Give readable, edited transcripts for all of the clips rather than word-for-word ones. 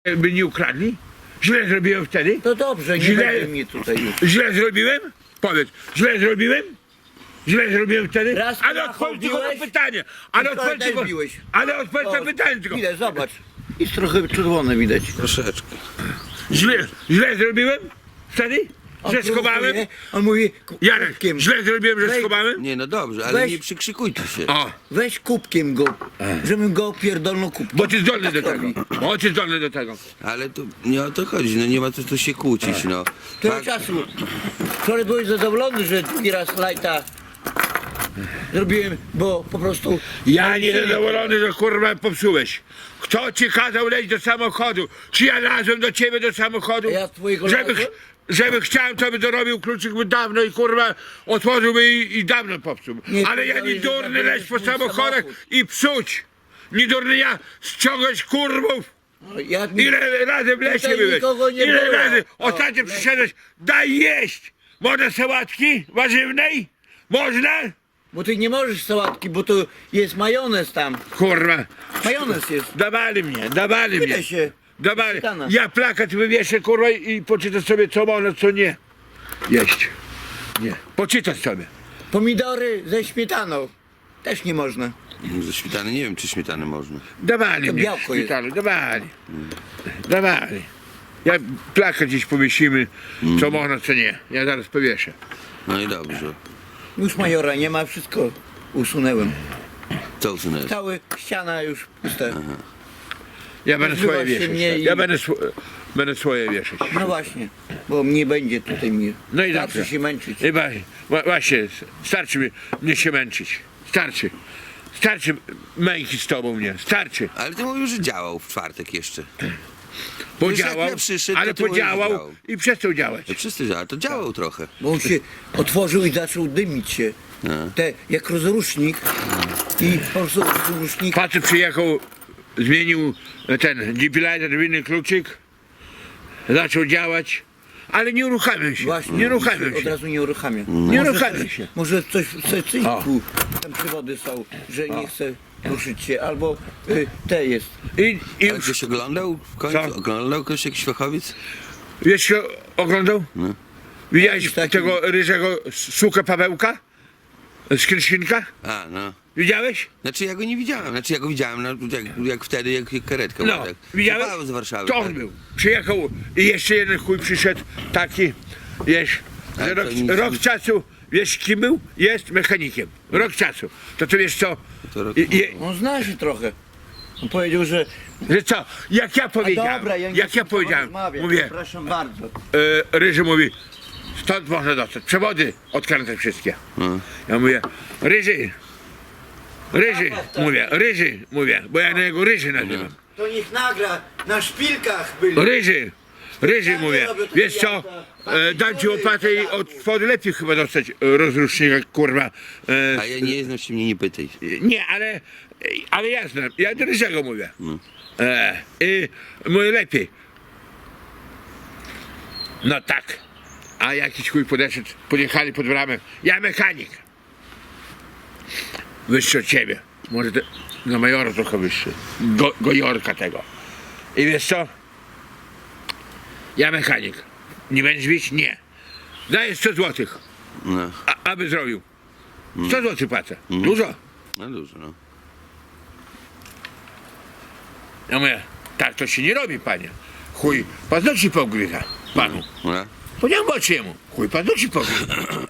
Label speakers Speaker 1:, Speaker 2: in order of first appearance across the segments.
Speaker 1: by nie ukradli? Źle zrobiłem wtedy?
Speaker 2: To dobrze, nie
Speaker 1: Źle-
Speaker 2: będzie mnie tutaj już.
Speaker 1: Źle zrobiłem? Powiedz, źle zrobiłem? Źle zrobiłem wtedy?
Speaker 2: Raz
Speaker 1: Ale odpowiedz tylko na
Speaker 2: biłeś,
Speaker 1: pytanie. Ale
Speaker 2: i
Speaker 1: odpowiedz
Speaker 2: też
Speaker 1: tylko,
Speaker 2: biłeś.
Speaker 1: ale odpowiedz na
Speaker 2: O,
Speaker 1: pytanie tylko.
Speaker 2: Widać, zobacz. Jest trochę czerwone widać.
Speaker 3: Troszeczkę.
Speaker 1: Źle zrobiłem wtedy? Że schowałem?
Speaker 2: On mówi
Speaker 1: Jarek,
Speaker 2: kubkiem.
Speaker 1: źle zrobiłem, że
Speaker 2: Weź-
Speaker 1: schowałem?
Speaker 3: Nie, no dobrze, ale
Speaker 2: Weź-
Speaker 3: nie przykrzykujcie się.
Speaker 1: O,
Speaker 2: Weź kubkiem go, żebym go pierdolnął kubkiem.
Speaker 1: bo ty zdolny do
Speaker 2: Tak
Speaker 1: tego.
Speaker 2: robi.
Speaker 1: Bo ty zdolny do tego.
Speaker 3: Ale to nie o to chodzi, no nie ma co tu się kłócić, no.
Speaker 2: Tyle
Speaker 3: Fakt-
Speaker 2: czasu. Wczoraj byłeś zadowolony, że drugi raz lajta zrobiłem, bo po prostu...
Speaker 1: Ja niezadowolony, że kurwa popsułeś. Kto ci kazał leć do samochodu? Czy ja lazłem do ciebie do samochodu?
Speaker 2: Ja twojego
Speaker 1: żeby,
Speaker 2: lazłem?
Speaker 1: żeby chciałem, to by dorobił kluczyk by dawno i kurwa otworzyłby i dawno popsuł.
Speaker 2: Nie,
Speaker 1: Ale ja nie
Speaker 2: powiedziałeś, że
Speaker 1: durny leć po
Speaker 2: zabierzesz mój
Speaker 1: samochodach
Speaker 2: samochód.
Speaker 1: i psuć. Nie durny ja ściągać kurwów.
Speaker 2: Ja,
Speaker 1: Ile razy w lesie
Speaker 2: Tutaj
Speaker 1: byłeś?
Speaker 2: nikogo nie
Speaker 1: Ile
Speaker 2: było.
Speaker 1: razy
Speaker 2: O,
Speaker 1: ostatnio
Speaker 2: lesie.
Speaker 1: przyszedłeś? Daj jeść! Można sałatki warzywnej? Można?
Speaker 2: Bo ty nie możesz sałatki, bo to jest majonez tam.
Speaker 1: Kurwa.
Speaker 2: Majonez jest.
Speaker 1: Dawali mnie.
Speaker 2: Tyle się.
Speaker 1: Dawali.
Speaker 2: Szykana.
Speaker 1: Ja plakat wywieszę, kurwa, i poczytasz sobie, co można, co nie. Jeść. Nie. Poczytasz sobie.
Speaker 2: Pomidory ze śmietaną. Też nie można.
Speaker 3: Ze śmietany, nie wiem czy śmietany można.
Speaker 1: Dawali
Speaker 2: To
Speaker 1: mnie.
Speaker 2: białko jest.
Speaker 1: Szpitalu, dawali. Dawali. Ja plakat gdzieś powiesimy, co można, co nie. Ja zaraz powieszę.
Speaker 3: No i dobrze.
Speaker 2: Już majora nie ma, wszystko usunęłem.
Speaker 3: Co usunąłeś?
Speaker 2: Cała ściana już pusta.
Speaker 1: Ja będę
Speaker 2: Nazywa
Speaker 1: swoje
Speaker 2: się
Speaker 1: wieszać.
Speaker 2: mnie i-
Speaker 1: Ja będę swoje wieszać.
Speaker 2: No właśnie, bo nie będzie tutaj mnie.
Speaker 1: No i
Speaker 2: Starczy
Speaker 1: dobrze.
Speaker 2: się męczyć.
Speaker 1: Właśnie, starczy mnie się męczyć. Starczy. Starczy męki z tobą mnie. Starczy.
Speaker 3: Ale ty mówisz, że działał w czwartek jeszcze.
Speaker 1: Podziałał,
Speaker 3: jak ja przyszedł,
Speaker 1: ale
Speaker 3: to ty mówisz, że
Speaker 1: podziałał
Speaker 3: działał.
Speaker 1: i przestał działać.
Speaker 3: No wszyscy działał, to działał trochę.
Speaker 2: Bo on się otworzył i zaczął dymić się.
Speaker 3: No.
Speaker 2: Te, jak rozrusznik. I po prostu rozrusznik.
Speaker 1: Facet przyjechał, zmienił ten defibrillator w inny kluczyk, zaczął działać, ale nie uruchamiał się.
Speaker 2: Właśnie,
Speaker 1: Nie uruchamiał
Speaker 2: Od
Speaker 1: się.
Speaker 2: razu nie uruchamia.
Speaker 1: Nie
Speaker 2: Może
Speaker 1: uruchamiał
Speaker 2: coś-
Speaker 1: się.
Speaker 2: Może coś w
Speaker 1: O.
Speaker 2: secyjku, tam przewody są, że nie chce ruszyć się, albo te jest.
Speaker 1: I
Speaker 3: Ale ktoś oglądał w końcu?
Speaker 1: Co?
Speaker 3: Oglądał ktoś jakiś fachowiec?
Speaker 1: wiesz, co oglądał?
Speaker 3: No.
Speaker 1: Widziałeś
Speaker 2: Taki-
Speaker 1: tego ryżego suka Pawełka? Z Kryszynka?
Speaker 3: A, no.
Speaker 1: Widziałeś?
Speaker 3: Znaczy ja go nie widziałem, znaczy ja go widziałem, no, jak wtedy, jak karetka
Speaker 1: No,
Speaker 3: była, tak.
Speaker 1: widziałeś?
Speaker 3: Paweł z Warszawy.
Speaker 1: To on
Speaker 3: tak.
Speaker 1: był. Przyjechał i jeszcze jeden chuj przyszedł, taki, wiesz,
Speaker 3: Ale
Speaker 1: że
Speaker 3: to
Speaker 1: rok,
Speaker 3: nic-
Speaker 1: rok czasu, wiesz kim był? Jest mechanikiem. Rok czasu. To wiesz co?
Speaker 3: To rok-
Speaker 2: On zna się trochę. On powiedział, że...
Speaker 1: Że co? Jak ja
Speaker 2: A
Speaker 1: powiedziałem,
Speaker 2: dobra, ja nie
Speaker 1: jak
Speaker 2: chcę
Speaker 1: ja
Speaker 2: z tobą
Speaker 1: powiedziałem,
Speaker 2: rozmawiać,
Speaker 1: mówię,
Speaker 2: Przepraszam bardzo.
Speaker 1: Ryży mówi, stąd można dostać, przewody odkręcać wszystkie.
Speaker 3: No.
Speaker 1: Ja mówię, Ryży, mówię, bo ja na jego Ryży nazywam.
Speaker 2: To niech nagra, na szpilkach byli.
Speaker 1: Ryży, mówię,
Speaker 2: robię takie
Speaker 1: wiesz co, dam ci łopatę i od wody lepiej chyba dostać rozrusznika, kurwa.
Speaker 3: A ja nie znam się mnie nie pytaj.
Speaker 1: Nie, ale ja znam, ja do Ryżego mówię. I mówię lepiej. No tak. A jakiś chuj podeszedł, podjechali pod bramę. Ja mechanik. Wyższy od ciebie. Może na majora trochę wyższy. Gojorka tego. I wiesz co? Ja mechanik. Nie będziesz bić? Nie. Daję 100 złotych.
Speaker 3: No,
Speaker 1: Aby zrobił. 100 złotych płacę. Dużo.
Speaker 3: no dużo, no.
Speaker 1: Ja mówię, tak to się nie robi, panie. Chuj, paznokci pogryza panu.
Speaker 3: No.
Speaker 1: Powiedziałem oczy jemu. Chuj, paznokci pogryza.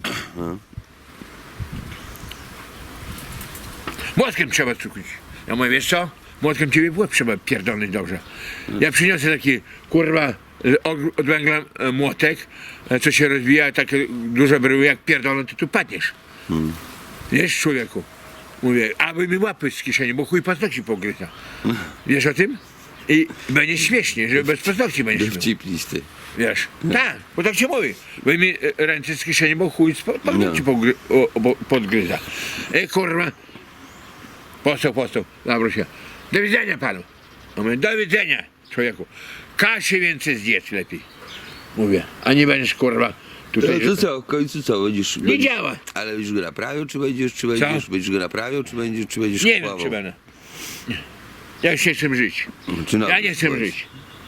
Speaker 1: Młotkiem trzeba cukić. Ja mówię, wiesz co? Młotkiem ciebie w łeb trzeba pierdolnąć dobrze. Ja przyniosę taki, kurwa, od węgla młotek, co się rozwija, takie duże bryły, jak pierdolą, to tu padniesz. Wiesz, człowieku? Mówię, aby mi łapy z kieszeni, bo chuj paznokci pogryza. Wiesz o tym? I będzie śmiesznie, że bez paznokci będziesz miał.
Speaker 3: Dowcip listy.
Speaker 1: Wiesz? Tak, bo tak się mówi. Wyjmij ręce z kieszeni, bo chuj paznokci podgryza. Kurwa. Postał, zawróć się. Do widzenia panu. Mówię, do widzenia, człowieku. Kaszy więcej zjedz lepiej. Mówię, a nie będziesz kurwa tutaj.
Speaker 3: No to co, w końcu co, będziesz...
Speaker 1: Nie działa.
Speaker 3: Ale już go naprawiał, czy będziesz, będziesz go naprawiał, czy będziesz
Speaker 1: Nie wiem,
Speaker 3: kupował?
Speaker 1: czy będę. Nie. Ja już nie chcę żyć.
Speaker 3: Czy no,
Speaker 1: Ja nie chcę
Speaker 3: powiedz.
Speaker 1: żyć.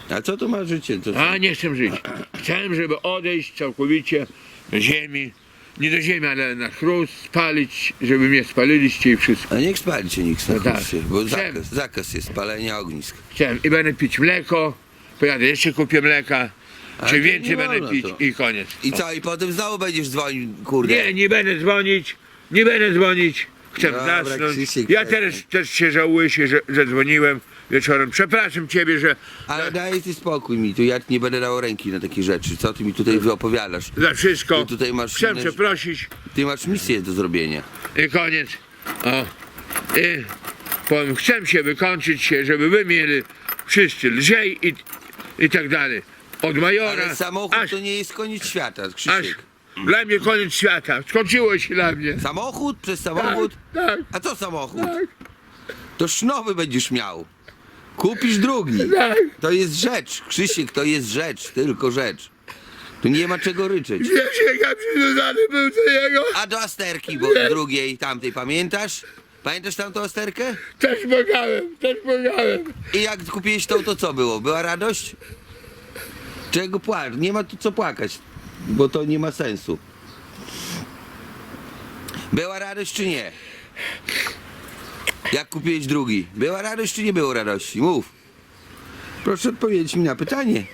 Speaker 3: A co to ma życie? To
Speaker 1: A nie chcę żyć. Chcę, żeby odejść całkowicie do ziemi. Nie do ziemi, ale na chrust, spalić, żeby mnie spaliliście i wszystko.
Speaker 3: A niech spali cię nikt
Speaker 1: No tak.
Speaker 3: bo
Speaker 1: Chcę.
Speaker 3: zakaz jest palenia ognisk.
Speaker 1: Chcę i będę pić mleko, pojadę jeszcze kupię mleka,
Speaker 3: Ale
Speaker 1: czy
Speaker 3: to
Speaker 1: więcej
Speaker 3: nie
Speaker 1: będę
Speaker 3: wolno
Speaker 1: pić
Speaker 3: to.
Speaker 1: i koniec.
Speaker 3: I co, i potem znowu będziesz dzwonił, kurde.
Speaker 1: Nie będę dzwonić, nie będę dzwonić. Chcę
Speaker 3: Dobra,
Speaker 1: zasnąć.
Speaker 3: Krzysiek,
Speaker 1: Ja
Speaker 3: przestań.
Speaker 1: też się żałuję, że dzwoniłem wieczorem. Przepraszam ciebie, że
Speaker 3: Ale daj ty spokój mi, tu ja nie będę dał ręki na takie rzeczy. Co ty mi tutaj opowiadasz?
Speaker 1: za wszystko.
Speaker 3: Ty tutaj masz
Speaker 1: Chcę
Speaker 3: inne-
Speaker 1: przeprosić
Speaker 3: Ty masz misję do zrobienia.
Speaker 1: i koniec. O. I powiem, chcę się wykończyć się, żeby wy mieli wszyscy lżej i tak dalej. Od majora
Speaker 3: Ale samochód
Speaker 1: aż,
Speaker 3: to nie jest koniec świata,
Speaker 1: aż
Speaker 3: Krzysiek.
Speaker 1: dla mnie koniec świata. Skończyło się dla mnie.
Speaker 3: Samochód przez samochód?
Speaker 1: Tak,
Speaker 3: A co samochód?
Speaker 1: tak,
Speaker 3: To nowy będziesz miał. Kupisz drugi.
Speaker 1: tak.
Speaker 3: To jest rzecz, Krzysiek, to jest rzecz, tylko rzecz. Tu nie ma czego ryczeć.
Speaker 1: Wiesz, jak ja przywiązany był do niego?
Speaker 3: A do Asterki, bo drugiej, tamtej, pamiętasz? Pamiętasz tamtą Asterkę?
Speaker 1: Też błagałem.
Speaker 3: I jak kupiłeś tą, to co było? Była radość? Czego płacz? Nie ma tu co płakać, bo to nie ma sensu. Była radość czy nie? Jak kupiłeś drugi? Była radość czy nie było radości? Mów. Proszę odpowiedzieć mi na pytanie.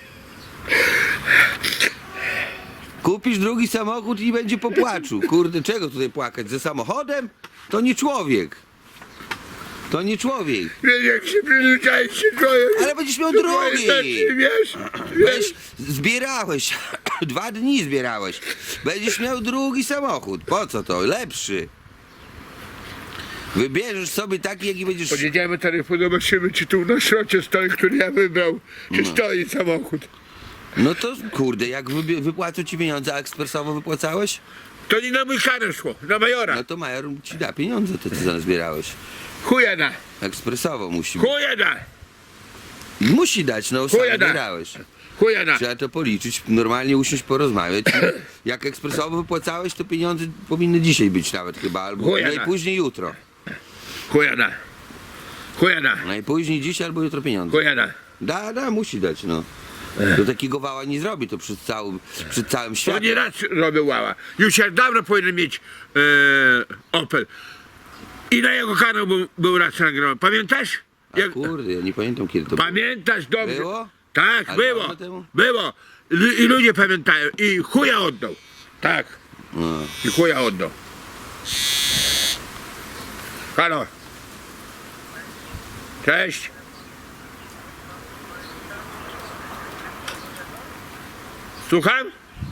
Speaker 3: Kupisz drugi samochód i będzie po płaczu. Kurde, czego tutaj płakać? Ze samochodem? To nie człowiek. To nie człowiek.
Speaker 1: Wiesz, jak się przyzwyczaić się człowiek.
Speaker 3: Ale będziesz miał
Speaker 1: do twojej
Speaker 3: drugi.
Speaker 1: stacji, wiesz?
Speaker 3: Weź, zbierałeś, 2 dni zbierałeś. Będziesz miał drugi samochód. Po co to? Lepszy. Wybierzesz sobie taki, jaki będziesz...
Speaker 1: Podjedziemy taryfu, zobaczymy, czy tu na szrocie stoi, który ja wybrał, czy stoi samochód.
Speaker 3: No to kurde, jak wypłacą ci pieniądze, a ekspresowo wypłacałeś?
Speaker 1: To nie na mój karę szło, na majora.
Speaker 3: No to major ci da pieniądze, te co zbierałeś.
Speaker 1: Chuja da,
Speaker 3: Ekspresowo musi być.
Speaker 1: chuja da,
Speaker 3: Musi dać, no sam
Speaker 1: Chuja da.
Speaker 3: zbierałeś.
Speaker 1: chuja da.
Speaker 3: Trzeba to policzyć, normalnie usiąść, porozmawiać. Jak ekspresowo wypłacałeś, to pieniądze powinny dzisiaj być nawet chyba, albo
Speaker 1: Chuja da.
Speaker 3: najpóźniej jutro.
Speaker 1: Chuja da. Chuja da,
Speaker 3: Najpóźniej dzisiaj albo jutro pieniądze.
Speaker 1: chuja da.
Speaker 3: Da, musi dać, no. To takiego wała nie zrobi, to przed całym
Speaker 1: To
Speaker 3: światem.
Speaker 1: nie raz robił łała. Już jak dawno powinien mieć Opel. I na jego kanał był raz nagrany. Pamiętasz?
Speaker 3: A kurde, ja nie pamiętam kiedy to było.
Speaker 1: Pamiętasz dobrze?
Speaker 3: Było?
Speaker 1: Tak,
Speaker 3: A
Speaker 1: było.
Speaker 3: dawno temu?
Speaker 1: Było. I ludzie pamiętają. I chuja oddał. Tak.
Speaker 3: No.
Speaker 1: I chuja oddał. Halo. Cześć. Słucham?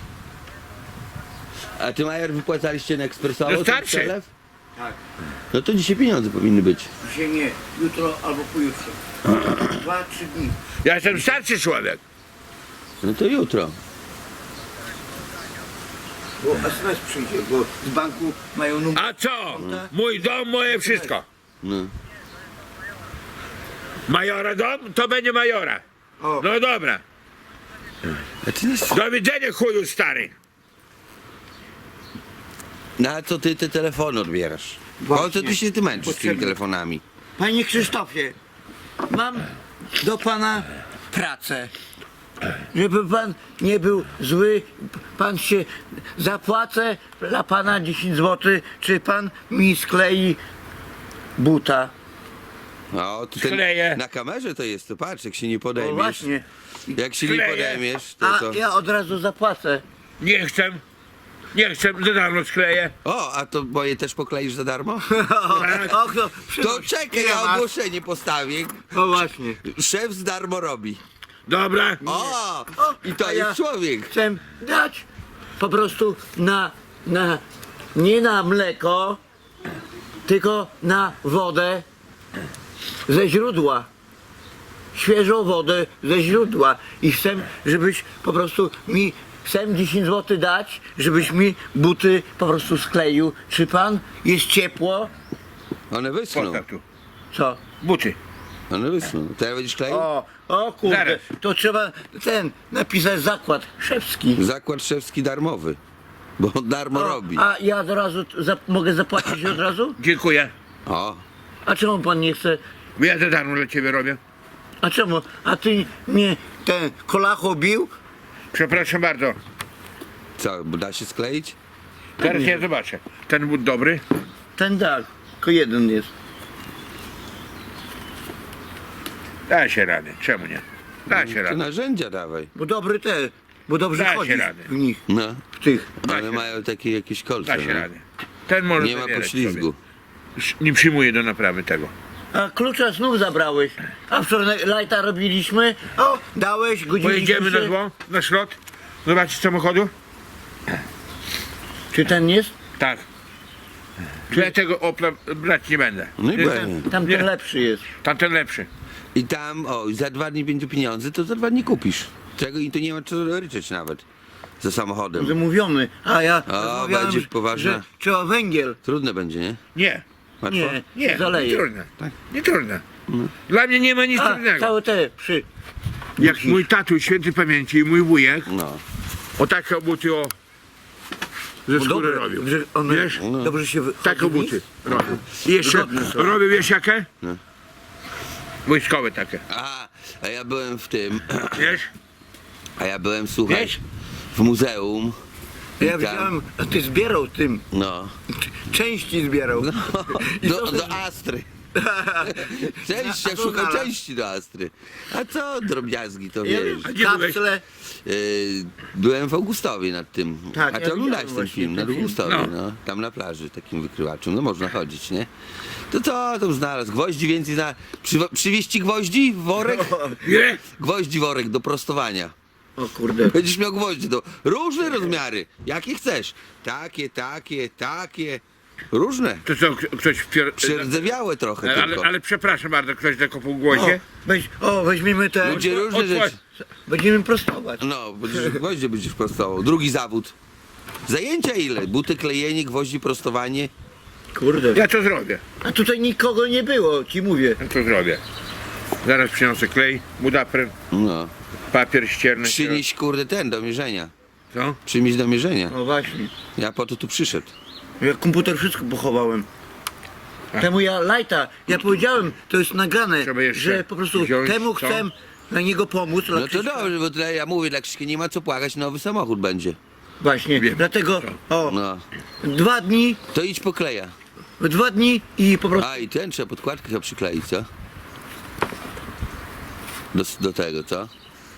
Speaker 3: A ty, Majer, wypłacaliście na ekspresowo?
Speaker 1: No
Speaker 3: ten
Speaker 1: starszy.
Speaker 3: przelew?
Speaker 2: Tak.
Speaker 3: No to dzisiaj pieniądze powinny być.
Speaker 2: Dzisiaj nie, jutro albo pojutrze. 2-3 dni.
Speaker 1: Ja jestem starszy człowiek.
Speaker 3: No to jutro.
Speaker 2: Bo SMS przyjdzie, bo z banku mają numer.
Speaker 1: A co? Mój dom, moje wszystko.
Speaker 3: No.
Speaker 1: Majora dom, to będzie majora.
Speaker 2: O.
Speaker 1: No dobra.
Speaker 3: A ty nie...
Speaker 1: Do widzenia, chuju stary.
Speaker 3: Na co ty te telefony odbierasz? Po co ty się ty męczysz z tymi
Speaker 2: Potrzebne.
Speaker 3: telefonami?
Speaker 2: Panie Krzysztofie, mam do pana pracę. Żeby pan nie był zły, pan się zapłacę dla pana 10 zł, czy pan mi sklei buta.
Speaker 3: O, to
Speaker 1: Skleję.
Speaker 3: na kamerze to jest, to patrz, jak się nie
Speaker 2: O
Speaker 3: podejmiesz.
Speaker 2: właśnie.
Speaker 3: Jak się nie
Speaker 1: Skleję.
Speaker 3: podejmiesz, to
Speaker 2: A
Speaker 3: to...
Speaker 2: ja od razu zapłacę.
Speaker 1: Nie chcę. Nie chcę, za darmo skleję.
Speaker 3: O, a to moje też pokleisz za darmo?
Speaker 2: Och, no,
Speaker 3: To czekaj,
Speaker 2: Ile
Speaker 3: ja
Speaker 2: masz?
Speaker 3: ogłoszenie postawię.
Speaker 2: O właśnie.
Speaker 3: Szef z darmo robi.
Speaker 1: Dobra.
Speaker 3: O! I to
Speaker 2: a
Speaker 3: jest
Speaker 2: ja
Speaker 3: człowiek.
Speaker 2: Chcę dać po prostu nie na mleko, tylko na wodę ze źródła. Świeżą wodę ze źródła. I chcę, żebyś po prostu mi, chcę 10 zł dać, żebyś mi buty po prostu skleił. Czy pan jest ciepło?
Speaker 3: One wyschną.
Speaker 1: Postaw tu.
Speaker 2: Co?
Speaker 1: Buty.
Speaker 3: One wyschną. Teraz będziesz kleił?
Speaker 2: O kurde,
Speaker 1: Zaraz.
Speaker 2: to trzeba napisać zakład szewski.
Speaker 3: Zakład szewski darmowy. Bo on darmo robi.
Speaker 2: A ja od razu mogę zapłacić od razu?
Speaker 1: Dziękuję.
Speaker 3: O,
Speaker 2: A czemu pan nie chce?
Speaker 1: Bo ja za darmo dla ciebie robię.
Speaker 2: A czemu? A ty mnie ten kolacho bił?
Speaker 1: Przepraszam bardzo.
Speaker 3: Co, da się skleić?
Speaker 1: Teraz ja zobaczę. Ten but dobry.
Speaker 2: Ten tak, tylko jeden jest.
Speaker 1: Da się radę. Czemu nie? Da się
Speaker 3: To
Speaker 1: radę.
Speaker 3: narzędzia dawaj.
Speaker 2: Bo dobry te, bo dobrze
Speaker 1: Da się
Speaker 2: chodzi
Speaker 1: radę.
Speaker 2: w nich,
Speaker 3: No,
Speaker 2: w tych.
Speaker 3: ale
Speaker 1: się.
Speaker 3: mają takie jakieś kolce.
Speaker 1: Da się
Speaker 3: no.
Speaker 1: radę. Ten może
Speaker 3: Nie ma
Speaker 1: zabierać
Speaker 3: poślizgu.
Speaker 1: sobie. Nie przyjmuję do naprawy tego.
Speaker 2: A klucza znów zabrałeś. A wczoraj lajta robiliśmy. O, dałeś, godziliśmy
Speaker 1: Pojedziemy na
Speaker 2: się.
Speaker 1: zło, na szrot. Zobaczyć samochodu?
Speaker 2: Czy ten jest?
Speaker 1: Tak. Czy ja tego Opla brać nie będę.
Speaker 3: No i
Speaker 1: Nie,
Speaker 3: będzie.
Speaker 2: Tamten
Speaker 1: Nie.
Speaker 2: lepszy jest.
Speaker 1: Tamten lepszy.
Speaker 3: I tam, o, za 2 dni będzie pieniądze, to za 2 dni kupisz. Czego i to nie ma co ryczeć nawet. Za samochodem.
Speaker 2: Zamówiony. A ja
Speaker 3: O,
Speaker 2: rozmawiałem,
Speaker 3: będzie poważne.
Speaker 2: że trzeba węgiel.
Speaker 3: Trudne będzie, nie?
Speaker 1: Nie.
Speaker 3: Łatwo?
Speaker 2: Nie,
Speaker 1: Nie,
Speaker 2: zaleje.
Speaker 1: nie trudne. Nie trudne. Dla mnie nie ma nic
Speaker 2: A,
Speaker 1: trudnego.
Speaker 2: całe te przy...
Speaker 1: Jak mój tatuś świętej pamięci i mój wujek
Speaker 3: No.
Speaker 1: o takie buty o ze skóry robił.
Speaker 2: że one
Speaker 1: Wiesz?
Speaker 2: dobrze się
Speaker 1: Takie
Speaker 2: chodzi w
Speaker 1: buty
Speaker 2: nich?
Speaker 1: robił. I jeszcze
Speaker 2: Wygodne są.
Speaker 1: robił, wiesz jakie?
Speaker 3: No.
Speaker 1: Wojskowe takie.
Speaker 3: A ja byłem w tym,
Speaker 1: Wiesz?
Speaker 3: a ja byłem, słuchaj,
Speaker 1: Wiesz?
Speaker 3: w muzeum. I
Speaker 2: Ja
Speaker 3: tam-
Speaker 2: widziałem, a ty zbierał tym.
Speaker 3: No.
Speaker 2: Części zbierał. I co
Speaker 3: Do
Speaker 2: ty-
Speaker 3: Astry. Część,
Speaker 2: A
Speaker 3: ja
Speaker 2: co
Speaker 3: szukam
Speaker 2: znalazł?
Speaker 3: części do Astry. A co drobiazgi, to
Speaker 2: Ja
Speaker 3: wiesz.
Speaker 2: wiem,
Speaker 1: A gdzie byłeś?
Speaker 2: kapsle.
Speaker 3: Byłem w Augustowie nad tym.
Speaker 2: Tak,
Speaker 3: A
Speaker 2: ja
Speaker 3: ty oglądałeś
Speaker 2: widziałem
Speaker 3: ten
Speaker 2: właśnie
Speaker 3: film,
Speaker 2: ten
Speaker 3: nad
Speaker 2: film.
Speaker 3: Augustowie,
Speaker 1: No.
Speaker 3: no. Tam na plaży, takim wykrywaczem. No można chodzić, nie? To co tam znalazł? Gwoździ więcej przywieźć ci gwoździ? Worek?
Speaker 1: Nie?
Speaker 3: Gwoździ worek do prostowania.
Speaker 2: O kurde.
Speaker 3: Będziesz miał gwoździe do różne rozmiary. Jakie chcesz. Takie. Różne.
Speaker 1: To co, ktoś
Speaker 3: Przerdzewiałe trochę tylko.
Speaker 1: ale przepraszam bardzo, ktoś tylko po
Speaker 2: O,
Speaker 1: głosie?
Speaker 2: weźmiemy te.
Speaker 3: Ludzie różne rzeczy.
Speaker 2: Będziemy prostować.
Speaker 3: No, gwoździe będziesz prostował. Drugi zawód. Zajęcia ile? Buty, klejenie, gwoździ, prostowanie.
Speaker 2: Kurde.
Speaker 1: Ja to zrobię.
Speaker 2: A tutaj nikogo nie było, ci mówię.
Speaker 1: Ja to zrobię. Zaraz przyniosę klej, budapryn,
Speaker 3: No.
Speaker 1: papier ścierny.
Speaker 3: Przynieś kurde ten do mierzenia.
Speaker 1: Co?
Speaker 3: Przynieś do mierzenia.
Speaker 2: No właśnie.
Speaker 3: Ja po to tu przyszedł.
Speaker 2: Ja komputer wszystko pochowałem. Temu ja powiedziałem, to jest nagrane,
Speaker 1: Trzeba jeszcze
Speaker 2: że po prostu
Speaker 1: wziąć
Speaker 2: temu
Speaker 1: to.
Speaker 2: chcę na niego pomóc. dla
Speaker 3: No to
Speaker 2: Krzyśka.
Speaker 3: dobrze, bo tyle ja mówię, dla Krzyśka nie ma co płakać, nowy samochód będzie.
Speaker 2: Właśnie,
Speaker 1: Wiem.
Speaker 2: dlatego, o,
Speaker 3: No.
Speaker 2: 2 dni,
Speaker 3: To idź po kleja.
Speaker 2: 2 dni i po prostu,
Speaker 3: A i ten trzeba podkładkę chyba przykleić, co? Do tego, co?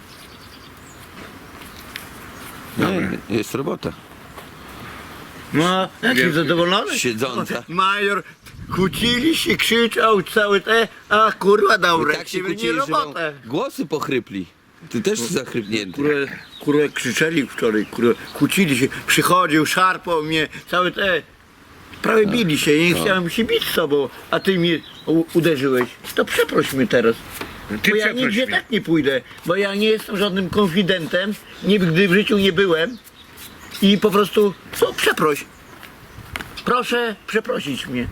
Speaker 3: No, jest robota.
Speaker 2: no, jaki
Speaker 1: Wiem.
Speaker 2: zadowolony.
Speaker 3: Siedząca.
Speaker 2: Major, kłócili się, krzyczał, cały te, a kurwa dał
Speaker 3: I tak się
Speaker 2: rękę, nie
Speaker 3: kłócili, że wam
Speaker 2: robotę.
Speaker 3: głosy pochrypli. Ty też zachrypnięty.
Speaker 2: Kurwa krzyczeli wczoraj, kurwa, kłócili się, przychodził, szarpał mnie, cały te, prawie bili się, nie chciałem się bić z sobą, a ty mnie uderzyłeś. To przeproś mnie teraz.
Speaker 1: Ty
Speaker 2: Bo ja
Speaker 1: przeproś
Speaker 2: nigdzie
Speaker 1: mnie.
Speaker 2: tak nie pójdę, bo ja nie jestem żadnym konfidentem, nigdy w życiu nie byłem i po prostu, co, przeproś. Proszę przeprosić mnie.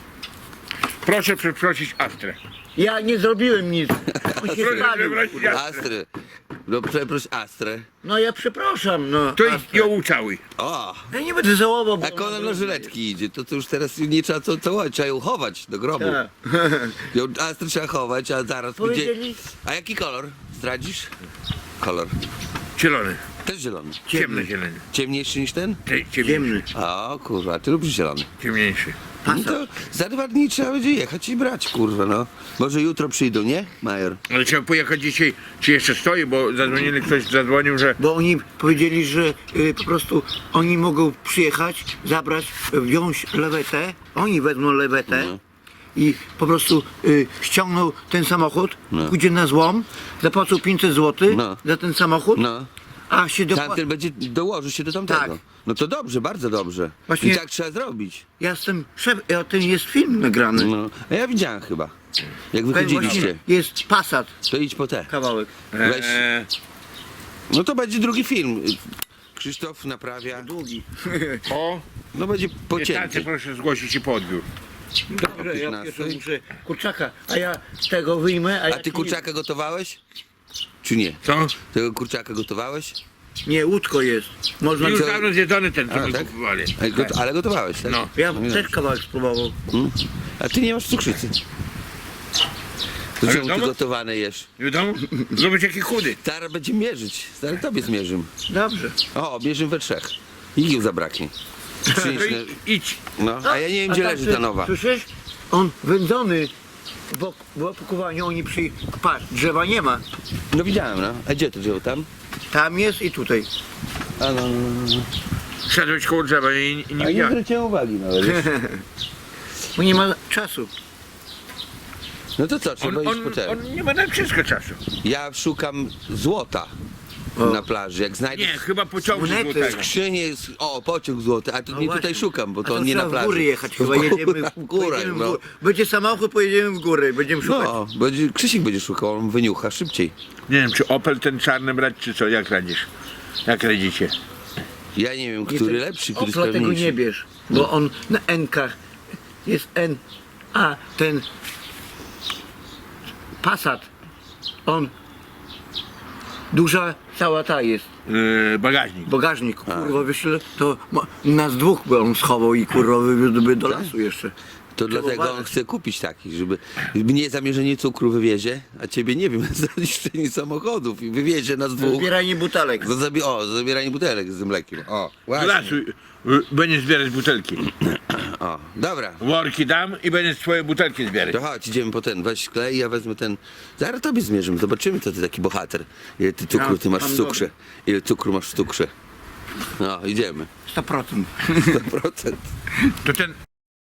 Speaker 1: Proszę przeprosić Astrę.
Speaker 2: Ja nie zrobiłem nic. On się
Speaker 1: Proszę
Speaker 2: stawił.
Speaker 1: przeprosić Astrę.
Speaker 3: Astrę. No przeproś Astrę.
Speaker 2: No ja przepraszam, no.
Speaker 1: To
Speaker 2: A-
Speaker 1: idź ją ucałuj.
Speaker 3: O!
Speaker 2: Ja nie będę żałował, bo...
Speaker 3: Jak ona na żyletki idzie, to już teraz nie trzeba co całować, trzeba ją chować do grobu.
Speaker 2: Tak.
Speaker 3: Ją Astrę trzeba chować, a zaraz będzie...
Speaker 2: Powiedzieli-
Speaker 3: A jaki kolor? Zdradzisz? Kolor.
Speaker 1: Zielony.
Speaker 3: Też zielony.
Speaker 1: Ciemny zielony.
Speaker 3: Ciemniejszy niż ten?
Speaker 2: Ciemny.
Speaker 3: O kurwa, ty lubisz zielony.
Speaker 1: Ciemniejszy.
Speaker 3: No to za 2 dni trzeba będzie jechać i brać, kurwa no. Może jutro przyjdą, nie, Major?
Speaker 1: Ale trzeba pojechać dzisiaj, czy jeszcze stoi, bo zadzwonili, ktoś zadzwonił, że
Speaker 2: Bo oni powiedzieli, że po prostu oni mogą przyjechać, zabrać, wziąć lewetę, oni wezmą lewetę
Speaker 3: No.
Speaker 2: i po prostu ściągną ten samochód,
Speaker 3: No.
Speaker 2: pójdzie na złom, zapłacą 500 zł
Speaker 3: No.
Speaker 2: za ten samochód,
Speaker 3: No.
Speaker 2: a się
Speaker 3: Tamten będzie dołoży się do tamtego.
Speaker 2: Tak.
Speaker 3: No to dobrze, bardzo dobrze.
Speaker 2: Właśnie-
Speaker 3: I tak trzeba zrobić.
Speaker 2: Ja jestem ja ten jest film nagrany.
Speaker 3: No. A ja widziałem chyba. Jak
Speaker 2: Ten
Speaker 3: wychodziliście.
Speaker 2: właśnie jest Passat
Speaker 3: To idź po te.
Speaker 2: kawałek.
Speaker 3: Weź. No to będzie drugi film. Krzysztof naprawia.
Speaker 2: Długi.
Speaker 1: o,
Speaker 3: No będzie
Speaker 1: 15
Speaker 3: pocięty.
Speaker 1: proszę zgłosić się po odbiór.
Speaker 2: Dobrze, ja
Speaker 3: 15.
Speaker 2: pierwszy muszę kurczaka, a ja tego wyjmę, a
Speaker 3: A
Speaker 2: ja
Speaker 3: ty
Speaker 2: ci-
Speaker 3: kurczaka gotowałeś? Czy nie?
Speaker 1: Co?
Speaker 3: Tego kurczaka gotowałeś?
Speaker 2: Nie, łódko jest. Można
Speaker 1: Już
Speaker 3: co-
Speaker 1: dawno zjedzony ten, co
Speaker 3: A,
Speaker 1: my
Speaker 3: tak?
Speaker 1: kupowali.
Speaker 3: Ale gotowałeś, tak?
Speaker 1: No.
Speaker 2: Ja
Speaker 3: No i
Speaker 2: też kawałek spróbował.
Speaker 3: dobrze. A ty nie masz cukrzycy. To
Speaker 1: Ale
Speaker 3: czemu ty
Speaker 1: wiadomo?
Speaker 3: gotowane jesz?
Speaker 1: Wiadomo? Zrobić jaki chudy.
Speaker 3: Zaraz będzie mierzyć. Zaraz tobie zmierzymy.
Speaker 2: Dobrze.
Speaker 3: O, bierzemy we trzech. Igieł zabraknie. Przynieś,
Speaker 1: To idź.
Speaker 3: no, a ja nie wiem, gdzie
Speaker 2: A
Speaker 3: leży
Speaker 2: tak,
Speaker 3: ta nowa.
Speaker 2: Słyszysz? On wędzony w opakowaniu, oni patrz, drzewa nie ma.
Speaker 3: No widziałem, no. A gdzie to drzewo tam?
Speaker 2: Tam jest i tutaj.
Speaker 3: A no.
Speaker 1: Szedłeś koło drzewa i nie
Speaker 3: A nie
Speaker 1: widziałem.
Speaker 3: zwróciłem uwagi nawet.
Speaker 2: Bo nie ma czasu.
Speaker 3: No to co, trzeba iść po ten.
Speaker 1: On nie ma na wszystko czasu.
Speaker 3: Ja szukam złota
Speaker 2: O.
Speaker 3: na plaży. Jak znajdę
Speaker 1: Nie, chyba pociągu
Speaker 2: Monety.
Speaker 1: złotego.
Speaker 3: skrzynię, o, pociąg złoty, a tu
Speaker 2: No
Speaker 3: nie
Speaker 2: właśnie.
Speaker 3: tutaj szukam, bo
Speaker 2: A
Speaker 3: to nie na
Speaker 2: trzeba
Speaker 3: plaży.
Speaker 2: w góry jechać chyba, jedziemy
Speaker 3: w górach,
Speaker 2: pojedziemy w
Speaker 3: no.
Speaker 2: górę. Będzie samochód, pojedziemy w góry, będziemy szukać.
Speaker 3: No, będzie, Krzysiek będzie szukał, on wyniucha szybciej.
Speaker 1: Nie wiem, czy Opel ten czarny brać, czy co? Jak radzisz? Jak radzicie?
Speaker 3: Ja nie wiem,
Speaker 2: Nie,
Speaker 3: który
Speaker 2: ten
Speaker 3: lepszy, który
Speaker 2: Opla tego nie
Speaker 3: sprawniejszy.
Speaker 2: bierz, bo on na N-kach jest N, a ten Passat, on duża cała ta jest,
Speaker 1: Bagażnik.
Speaker 2: bagażnik, kurwa wyśle, to nas dwóch by on schował i kurwa wywiózłby do lasu jeszcze.
Speaker 3: To dlatego on
Speaker 2: uważać.
Speaker 3: chce kupić taki, żeby mnie zamierzenie cukru wywiezie, a ciebie nie wiem, za niszczenie samochodów i wywiezie nas dwóch.
Speaker 2: Zbieranie butelek.
Speaker 3: Za zabieranie butelek z tym mlekiem. O,
Speaker 1: Do
Speaker 3: właśnie.
Speaker 1: lasu będziesz zbierać butelki.
Speaker 3: O, dobra.
Speaker 1: Worki dam i będziesz swoje butelki zbierać.
Speaker 3: To chodź, idziemy po ten, weź klej, ja wezmę ten. Zaraz tobie zmierzymy, zobaczymy, co ty taki bohater. Ile ty cukru ty masz w cukrze. Ile cukru masz w cukrze. No, idziemy.
Speaker 2: 100%.
Speaker 3: 100%.
Speaker 1: To ten